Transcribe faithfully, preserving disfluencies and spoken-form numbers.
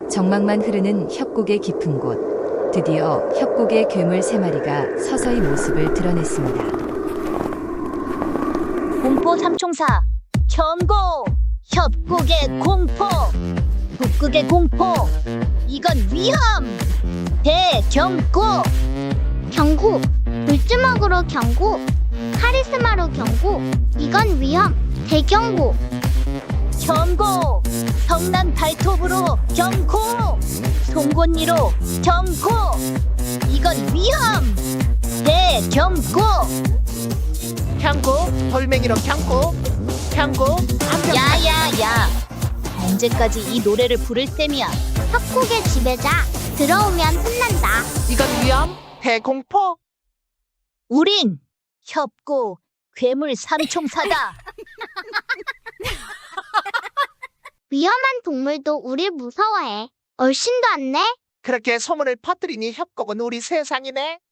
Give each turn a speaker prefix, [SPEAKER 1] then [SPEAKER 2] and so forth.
[SPEAKER 1] 정막만 흐르는 협곡의 깊은 곳. 드디어 협곡의 괴물 세 마리가 서서히 모습을 드러냈습니다.
[SPEAKER 2] 공포 삼총사 경고! 협곡의 공포! 북극의 공포! 이건 위험! 대경고!
[SPEAKER 3] 경고, 물주먹으로 경고, 카리스마로 경고, 이건 위험, 대경고.
[SPEAKER 2] 경고! 성난 발톱으로 경고! 송곳니로 경고! 이건 위험! 대경고!
[SPEAKER 4] 경고, 돌멩이로 경고, 경고, 암벽.
[SPEAKER 2] 야야야! 언제까지 이 노래를 부를 셈이야?
[SPEAKER 3] 협곡의 지배자, 들어오면 혼난다.
[SPEAKER 4] 이건 위험, 대공포.
[SPEAKER 2] 우린 협곡 괴물 삼총사다.
[SPEAKER 3] 위험한 동물도 우릴 무서워해. 얼씬도 않네?
[SPEAKER 4] 그렇게 소문을 퍼뜨리니 협곡은 우리 세상이네.